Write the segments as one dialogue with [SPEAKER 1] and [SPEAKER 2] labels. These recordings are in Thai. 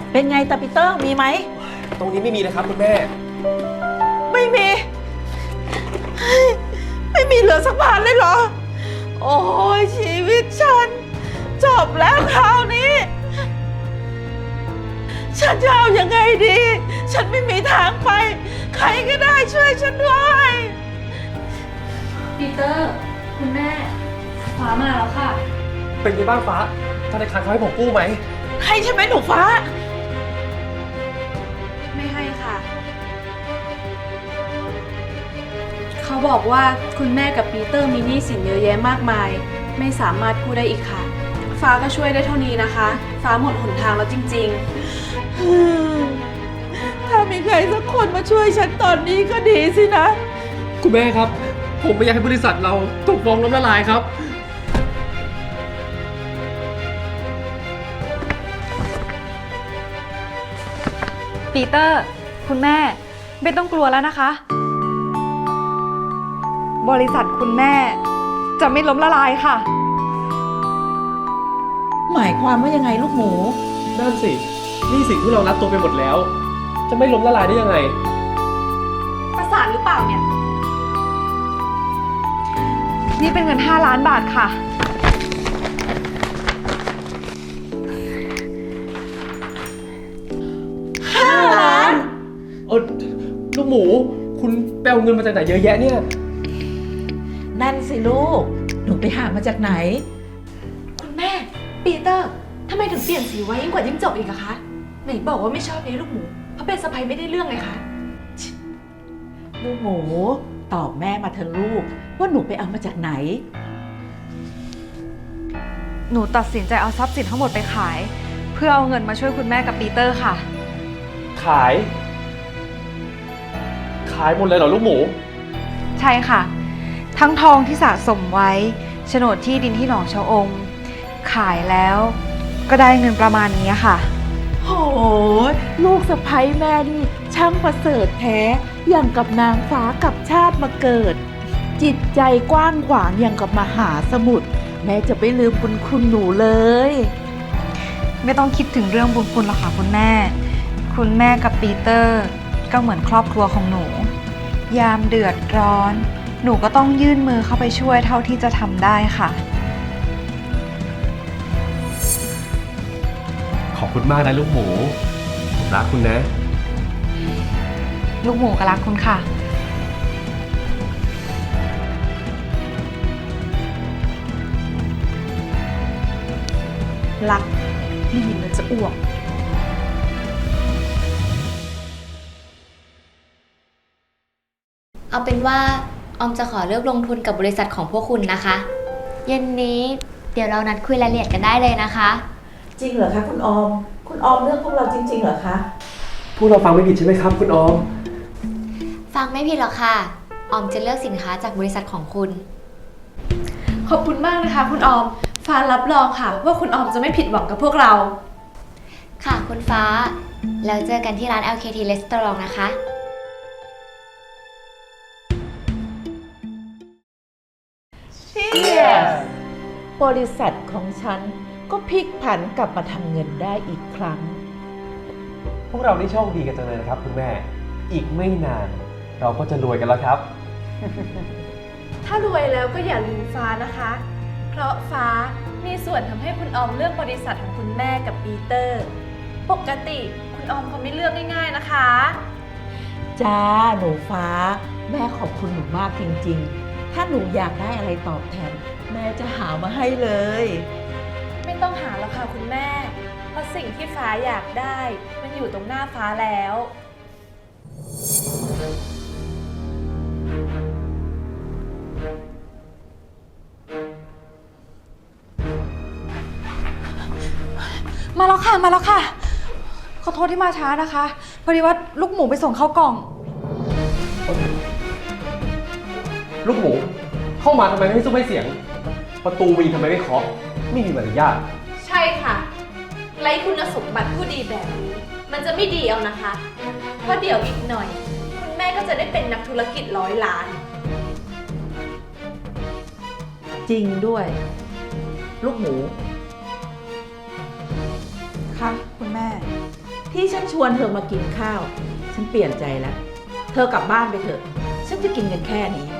[SPEAKER 1] เป็นไงตาปีเตอร์มีไหม
[SPEAKER 2] ตรงนี้ไม่มีเลยครับคุณแม่
[SPEAKER 1] ไม่มีเฮ้ยไม่มีเหลือสักบาทเลยเหรอโอ้ยชีวิตฉันจบแล้วคราวนี้ฉันจะเอายังไงดี ฉันไม่มีทางไป ใครก็ได้ช่วยฉันด้วย
[SPEAKER 3] ปีเตอร์ คุณแม่ฟ้ามาแล้วค่ะ
[SPEAKER 2] เป็นไงบ้างฟ้าธนาคารเขาให้ผมกู้ไหม
[SPEAKER 1] ให้ใช่ไหมหนูฟ้า
[SPEAKER 3] ไม่ให้ค่ะ เขาบอกว่าคุณแม่กับปีเตอร์มีหนี้สินเยอะแยะมากมาย ไม่สามารถกู้ได้อีกค่ะ ฟ้าก็ช่วยได้เท่านี้นะคะ ฟ้าหมดหนทางแล้วจริง
[SPEAKER 1] ถ้ามีใครสักคนมาช่วยฉันตอนนี้ก็ดีสินะ
[SPEAKER 2] คุณแม่ครับ ผมไม่อยากให้บริษัทเราถูกฟ้องล้มละลายครับ
[SPEAKER 4] ปีเตอร์ คุณแม่ไม่ต้องกลัวแล้วนะคะ บริษัทคุณแม่จะไม่ล้มละลายค่ะ
[SPEAKER 1] หมายความว่ายังไงลูกหมู
[SPEAKER 2] นั่นสิหนี่สินที่เรารับตัวไปหมดแล้ว จะไม่ล้มละลายได้ยังไง
[SPEAKER 4] ประสาทหรือเปล่าเนี่ย นี่เป็นเงิน5 ล้านบาทค่ะ
[SPEAKER 1] 5 ล้าน
[SPEAKER 2] ลูกหมู คุณแปลเงินมาจากไหนเยอะแยะเนี่ย
[SPEAKER 1] นั่นสิลูก หนูไปหามาจากไหน
[SPEAKER 3] ๆ คุณแม่ ปีเตอร์ทำไมถึงเปลี่ยนสีไว้ยิ่งกว่ายิ่งจบอีกอะคะ ไหนบอกว่าไม่ชอบเลี้ยงลูกหมู เพราะเป็นสะใภ้ไม่ได้เรื่องไงคะ
[SPEAKER 1] ลูกหมูตอบแม่มาเถอะลูก ว่าหนูไปเอามาจากไหน
[SPEAKER 4] หนูตัดสินใจเอาทรัพย์สินทั้งหมดไปขาย เพื่อเอาเงินมาช่วยคุณแม่กับปีเตอร์ค่ะ
[SPEAKER 2] ขาย ขายหมดเลยเหรอลูกหมู
[SPEAKER 4] ใช่ค่ะ ทั้งทองที่สะสมไว้โฉนดที่ดินที่หนองชะอม ขายแล้วก็ได้เงินประมาณนี้ค่ะ
[SPEAKER 1] โหลูกสะใภ้แม่นี่ช่างประเสริฐแท้อย่างกับนางฟ้ากับชาติมาเกิด จิตใจกว้างขวางอย่างกับมหาสมุทรแม่จะไม่ลืมบุญคุณหนูเลย
[SPEAKER 4] ไม่ต้องคิดถึงเรื่องบุญคุณหรอกค่ะคุณแม่ คุณแม่กับปีเตอร์ก็เหมือนครอบครัวของหนู ยามเดือดร้อน หนูก็ต้องยื่นมือเข้าไปช่วยเท่าที่จะทำได้ค่ะ
[SPEAKER 2] ขอบคุณมากนะลูกหมู ผมรักคุณนะ
[SPEAKER 4] ลูกหมูก็รักคุณค่ะ
[SPEAKER 3] รักได้ยินแล้วจะอ้วก
[SPEAKER 5] เอาเป็นว่าออมจะขอเลือกลงทุนกับบริษัทของพวกคุณนะคะ เย็นนี้เดี๋ยวเรานัดคุยรายละเอียดกันได้เลยนะคะ
[SPEAKER 1] จริงเหรอคะคุณออม คุณออมเลือกพวกเราจริงๆเหรอคะ
[SPEAKER 2] พวกเราฟังไม่ผิดใช่ไหมครับคุณออม
[SPEAKER 5] ฟังไม่ผิดหรอกค่ะ ออมจะเลือกสินค้าจากบริษัทของคุณ
[SPEAKER 3] ขอบคุณมากนะคะคุณออม ฟ้ารับรองค่ะ ว่าคุณออมจะไม่ผิดหวังกับพวกเรา
[SPEAKER 5] ค่ะคุณฟ้า แล้วเจอกันที่ร้าน LKT Restaurant นะคะ
[SPEAKER 1] บริษัทของฉันก็พลิกผันกลับมาทำเงินได้อีกครั้ง
[SPEAKER 2] พวกเราได้โชคดีกันจังเลยนะครับคุณแม่ อีกไม่นาน เราก็จะรวยกันแล้วครับ
[SPEAKER 3] ถ้ารวยแล้วก็อย่าลืมฟ้านะคะ เพราะฟ้ามีส่วนทำให้คุณออมเลือกบริษัทของคุณแม่กับปีเตอร์ ปกติคุณออมเขาไม่เลือกง่ายๆนะคะ
[SPEAKER 1] จ้าหนูฟ้า แม่ขอบคุณหนูมากจริงๆ ถ้าหนูอยากได้อะไรตอบแทน แม่จะหามาให้เลย
[SPEAKER 3] ไม่ต้องหาแล้วค่ะคุณแม่ เพราะสิ่งที่ฟ้าอยากได้ มันอยู่ตรงหน้าฟ้าแล้ว
[SPEAKER 4] มาแล้วค่ะ มาแล้วค่ะ ขอโทษที่มาช้านะคะ พอดีว่าลูกหมูไปส่งเข้ากล่อง
[SPEAKER 2] ลูกหมู เข้ามาทำไมไม่ซุ้มไม่เสียง ประตูมีทำไมไม่เคาะ ไม่มีมารยาท
[SPEAKER 3] ใช่ค่ะ ไร้คุณสมบัติผู้ดีแบบนี้ มันจะไม่ดีเอานะคะ เพราะเดี๋ยวอีกหน่อย คุณแม่ก็จะได้เป็นนักธุรกิจ100 ล้าน
[SPEAKER 1] จริงด้วย ลูกหมู
[SPEAKER 4] ค่ะ คุณแม่
[SPEAKER 1] ที่ฉันชวนเธอมากินข้าว ฉันเปลี่ยนใจแล้ว เธอกลับบ้านไปเถอะ ฉันจะกินกันแค่นี้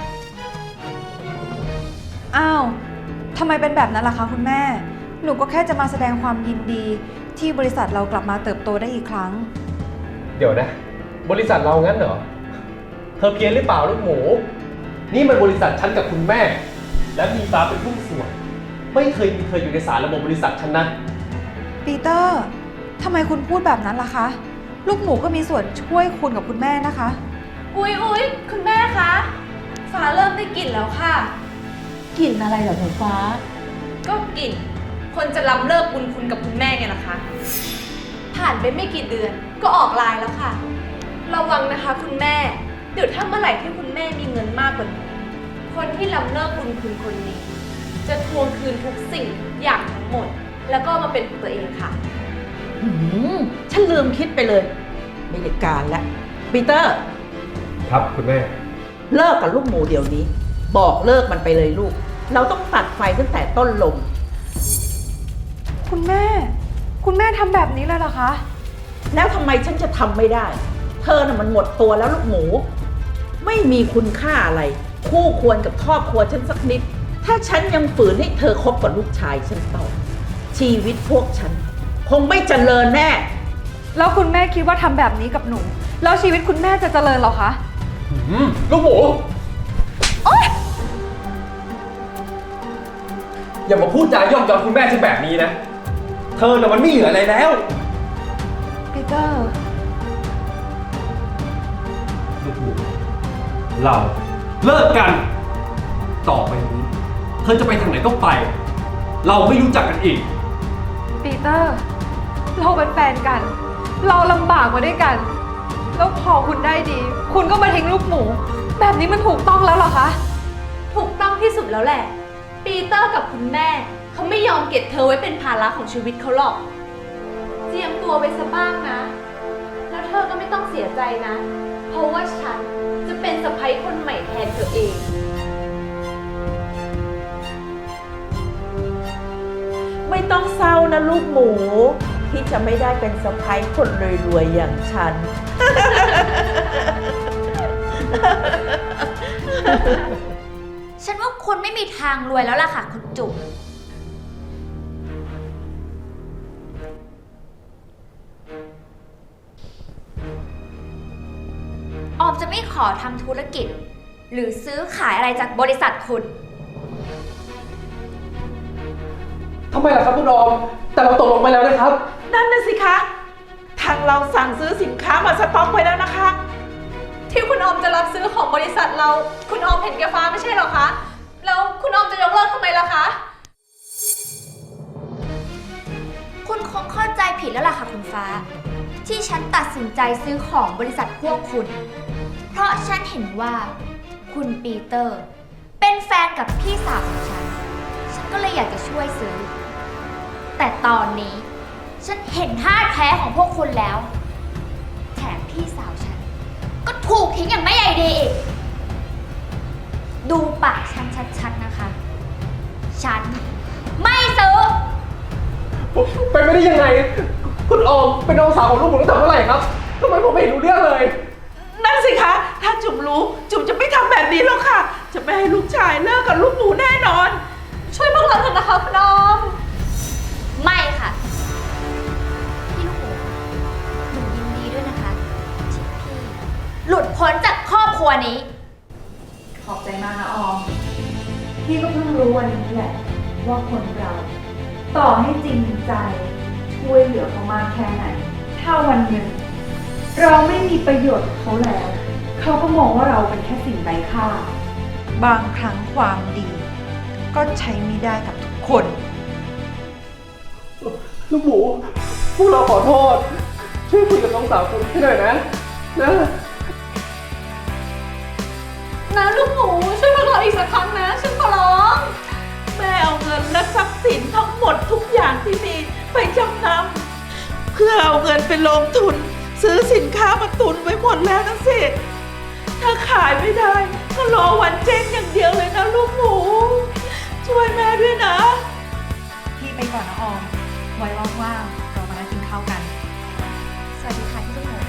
[SPEAKER 4] อ้าวทำไมเป็นแบบนั้นล่ะคะคุณแม่ หนูก็แค่จะมาแสดงความยินดีที่บริษัทเรากลับมาเติบโตได้อีกครั้ง
[SPEAKER 2] เดี๋ยวนะ บริษัทเรางั้นเหรอ เธอเพี้ยนหรือเปล่าลูกหมู นี่มันบริษัทฉันกับคุณแม่ และมีฟ้าเป็นหุ้นส่วน ไม่เคยมีเธออยู่ในสารระบบบริษัทฉันนะ
[SPEAKER 4] ปีเตอร์ ทำไมคุณพูดแบบนั้นล่ะคะ ลูกหมูก็มีส่วนช่วยคุณกับคุณแม่นะคะ
[SPEAKER 3] อุ๊ยคุณแม่คะ ฟ้าเริ่มได้กลิ่นแล้วค่ะ
[SPEAKER 1] กลิ่นอะไรเหรอหนูฟ้า
[SPEAKER 3] ก็กลิ่น คนจะล้ำเลิกบุญคุณกับคุณแม่ไงล่ะคะ ผ่านไปไม่กี่เดือนก็ออกไลน์แล้วค่ะ ระวังนะคะคุณแม่ เดี๋ยวถ้าเมื่อไหร่ที่คุณแม่มีเงินมากกว่านี้ คนที่ล้ำเลิกบุญคุณคนนี้ จะทวงคืนทุกสิ่งอย่างทั้งหมด แล้วก็มาเป็นของตัวเองค่ะ
[SPEAKER 1] ฉันลืมคิดไปเลย ไม่ได้การแล้วปีเตอร์
[SPEAKER 2] ครับคุณแม่
[SPEAKER 1] เลิกกับลูกหมูเดี๋ยวนี้ บอกเลิกมันไปเลยลูก เราต้องตัดไฟตั้งแต่ต้นลม
[SPEAKER 4] คุณแม่ คุณแม่ทำแบบนี้เลยเหรอคะ
[SPEAKER 1] แล้วทำไมฉันจะทำไม่ได้ เธอน่ะมันหมดตัวแล้วลูกหมู ไม่มีคุณค่าอะไร คู่ควรกับครอบครัวฉันสักนิด ถ้าฉันยังฝืนให้เธอคบกับลูกชายฉันต่อ ชีวิตพวกฉัน คงไม่เจริญแน่
[SPEAKER 4] แล้วคุณแม่คิดว่าทำแบบนี้กับหนู แล้วชีวิตคุณแม่จะเจริญเหรอคะ
[SPEAKER 2] ลูกหมูอย่ามาพูดจาย่อมยอมคุณแม่ฉันแบบนี้นะ เธอน่ะมันไม่เหลืออะไรแล้ว
[SPEAKER 4] ปีเตอร์
[SPEAKER 2] ลูกหมูเราเลิกกัน ต่อไปนี้ เธอจะไปทางไหนก็ไป เราไม่รู้จักกันอีก
[SPEAKER 4] ปีเตอร์ เราเป็นแฟนกัน เราลำบากมาด้วยกัน แล้วพอคุณได้ดี คุณก็มาทิ้งลูกหมู แบบนี้มันถูกต้องแล้วเหรอคะ
[SPEAKER 3] ถูกต้องที่สุดแล้วแหละ ปีเตอร์กับคุณแม่เขาไม่ยอมเก็บเธอไว้เป็นภาระของชีวิตเขาหรอก เจียมตัวไว้ซะบ้างนะ แล้วเธอก็ไม่ต้องเสียใจนะ เพราะว่าฉันจะเป็นสะใภ้คนใหม่แทนเธอเอง
[SPEAKER 1] ไม่ต้องเศร้านะลูกหมู ที่จะไม่ได้เป็นสะใภ้คนรวยๆอย่างฉัน
[SPEAKER 5] ฉันว่าคุณไม่มีทางรวยแล้วล่ะค่ะคุณจุ๋มออมจะไม่ขอทำธุรกิจ หรือซื้อขายอะไรจากบริษัทคุณ
[SPEAKER 2] ทำไมล่ะครับคุณออม แต่เราตกลงไปแล้วนะครับ
[SPEAKER 1] นั่นน่ะสิคะ ทางเราสั่งซื้อสินค้ามาสต็อกไว้แล้วนะคะ
[SPEAKER 3] ที่คุณออมจะรับซื้อของบริษัทเรา คุณออมเห็นแก่ฟ้าไม่ใช่เหรอคะ แล้วคุณออมจะยกเลิกทำไมล่ะคะ
[SPEAKER 5] คุณคงเข้าใจผิดแล้วล่ะค่ะคุณฟ้า ที่ฉันตัดสินใจซื้อของบริษัทพวกคุณ เพราะฉันเห็นว่าคุณปีเตอร์ เป็นแฟนกับพี่สาวของฉัน ฉันก็เลยอยากจะช่วยซื้อ แต่ตอนนี้ฉันเห็นท่าแท้ของพวกคุณแล้ว แถมพี่สาวฉัน ก็ถูกทิ้งอย่างไม่ใยดีอีก ดูปากฉันชัดๆนะคะ ฉันไม่ซื้อ
[SPEAKER 2] เป็นไม่ได้ยังไง คุณออมเป็นน้องสาวของลูกหมูตั้งแต่เมื่อไหร่ครับทำไมผมไม่เห็นรู้เรื่องเลย
[SPEAKER 1] นั่นสิคะ ถ้าจุ๋มรู้ จุ๋มจะไม่ทำแบบนี้หรอกค่ะ จะไม่ให้ลูกชายเลิกกับลูกหมูแน่นอน
[SPEAKER 3] ช่วยพวกเราเถอะนะคะคุณออม
[SPEAKER 5] ไม่ค่ะ พี่ลูกหมูหนูยินดีด้วยนะคะที่พี่หลุดพ้นจากครอบครัวนี้
[SPEAKER 4] ขอบใจมากนะออม พี่ก็เพิ่งรู้วันนี้แหละ ว่าคนเรา ต่อให้จริงใจช่วยเหลือเขามากแค่ไหน ถ้าวันหนึ่งเราไม่มีประโยชน์กับเขาแล้ว เขาก็มองว่าเราเป็นแค่สิ่งไร้ค่า บางครั้งความดี ก็ใช้ไม่ได้กับทุกคน
[SPEAKER 2] ลูกหมู พวกเราขอโทษ ช่วยคุยกับน้องสาวคุณให้หน่อยนะ นะ
[SPEAKER 3] นะลูกหมูช่วยพวกเราอีกสักครั้งนะฉันขอร้อง
[SPEAKER 1] แม่เอาเงินและทรัพย์สินทั้งหมดทุกอย่างที่มีไปจำนำเพื่อเอาเงินไปลงทุน ซื้อสินค้ามาตุนไว้หมดแล้วนะสิ ถ้าขายไม่ได้ ก็รอวันเจ๊งอย่างเดียวเลยนะลูกหมู ช่วยแม่ด้วยนะ
[SPEAKER 4] พี่ไปก่อนนะออม ไว้ว่างๆเรามานั่งกินข้าวกัน
[SPEAKER 5] สวัสดีค่ะพี่ลูกหมู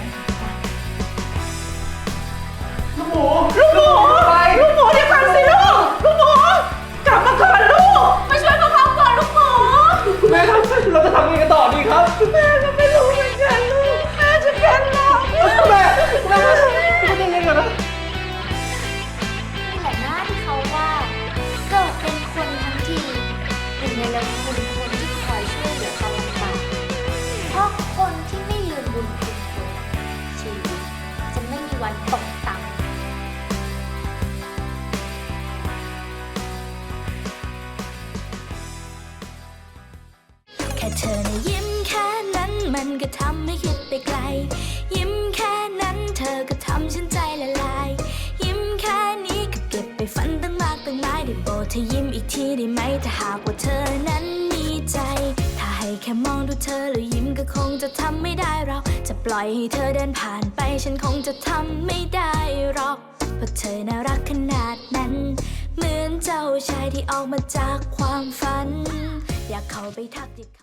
[SPEAKER 2] ลูกหมูไป
[SPEAKER 1] ลูกหมูเดี๋ยวก่อนสิลูก ลูกหมูกลับมาก่อนลูก
[SPEAKER 5] มาช่วยพวกเขาก่อนลูกหมู
[SPEAKER 2] แม่ครับเราจะทำยังไงกันต่อดีครับ
[SPEAKER 1] แม่ก็ไม่รู้เหมือนกันลูก แม่จะเป็นหรอก
[SPEAKER 2] แม่ไม่ต้องเล่นกันนะ
[SPEAKER 5] นี่แหละหน้าที่เขาว่าเกิดเป็นคนทั้งทีเป็นในละคุณคนที่คอยช่วยเหลือตอนลำบากเพราะคนที่ไม่ลืมบุญคุณคนชีวิตจะไม่มีวันตกต่ำ
[SPEAKER 6] แค่เธอนะยิ้มแค่นั้นมันก็ทำให้คิดไปไกล ยิ้มแค่นั้นเธอก็ทำฉันใจละลาย ยิ้มแค่นี้ก็เก็บไปฝันตั้งมากตั้งหลายได้โปรดเธอยิ้มอีกทีได้ไหมถ้าหากว่าเธอนั้นมีใจ ถ้าให้แค่มองดูเธอแล้วยิ้มก็คงจะทำไม่ได้เราจะปล่อยให้เธอเดินผ่านไปฉันคงจะทำไม่ได้หรอกเพราะเธอน่ารักขนาดนั้น เหมือนเจ้าชายที่ออกมาจากความฝัน อยากเข้าไปทักทิ